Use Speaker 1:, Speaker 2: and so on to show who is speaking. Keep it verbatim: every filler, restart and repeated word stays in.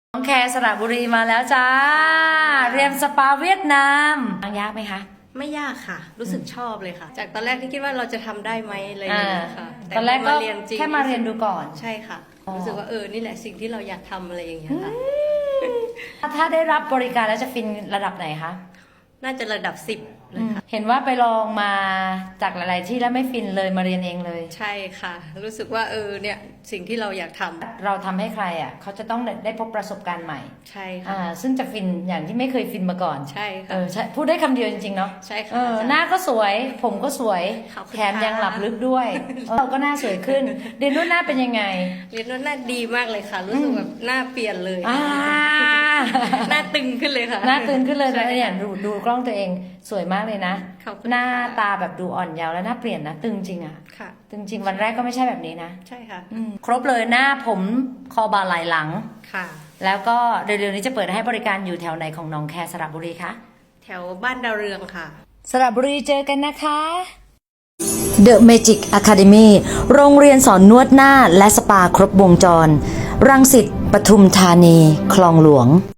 Speaker 1: น้องแคร์สระบุรีมาแล้วจ้าเรียนสปาเวียดนามยากไหมคะ
Speaker 2: ไม่ยากค่ะรู้สึกชอบเลยค่ะจากตอนแรกที่คิดว่าเราจะทำได้ไหมอะไรอย่างเงี้ยค่ะ
Speaker 1: ตอนแรกก็
Speaker 2: เรียนจริง
Speaker 1: แค่มาเรียนดูก่อน
Speaker 2: ใช่ค่ะรู้สึกว่าเออนี่แหละสิ่งที่เราอยากทำอะไรอย่างเงี้ยค่ะ
Speaker 1: ถ้าได้รับบริการแล้วจะฟินระดับไหนคะ
Speaker 2: น่าจะระดับสิบเลยค่ะ
Speaker 1: เห็นว่าไปลองมาจากหลายๆที่แล้วไม่ฟินเลยมาเรียนเองเลย
Speaker 2: ใช่ค่ะรู้สึกว่าเออเนี่ยสิ่งที่เราอยากทำ
Speaker 1: เราทำให้ใครอ่ะเขาจะต้องได้พบประสบการณ์ใหม่
Speaker 2: ใช่ค่ะ
Speaker 1: อ่าซึ่งจะฟินอย่างที่ไม่เคยฟินมาก่อน
Speaker 2: ใช่ค่ะ
Speaker 1: เออใช่พูดได้คำเดียวจริงๆเนาะ
Speaker 2: ใช่ค่ะ
Speaker 1: เออหน้าก็สวยผมก็สวยแถมยังหลับลึกด้วยเราก็หน้าสวยขึ้นเรียนนวดหน้าเป็นยังไง
Speaker 2: เรียนนวดหน้าดีมากเลยค่ะรู้สึกแบบหน้าเปลี่ยนเลย
Speaker 1: อ่า
Speaker 2: หน้าตึงขึ้นเลยค่ะ
Speaker 1: หน้าตึงขึ้นเลยแล้วเนี่ยดูดูกล้องตัวเองสวยมากเลยนะหน้าตาแบบดูอ่อนเยาว์แล้วหน้าเปลี่ยนนะตึงจริงอะ
Speaker 2: ค่ะ
Speaker 1: ตึงจริงวันแรกก็ไม่ใช่แบบนี้นะ
Speaker 2: ใช่ค่ะ
Speaker 1: ครบเลยหน้าผมคอบ่าไหล่หลัง
Speaker 2: ค่ะ
Speaker 1: แล้วก็เร็วๆนี้จะเปิดให้บริการอยู่แถวไหนของหนองแคสระบุรีคะ
Speaker 2: แถวบ้านดาวเรืองค่ะ
Speaker 1: สระบุรีเจอกันนะคะ The Magic Academy โรงเรียนสอนนวดหน้าและสปาครบวงจรรังสิตปทุมธานีคลองหลวง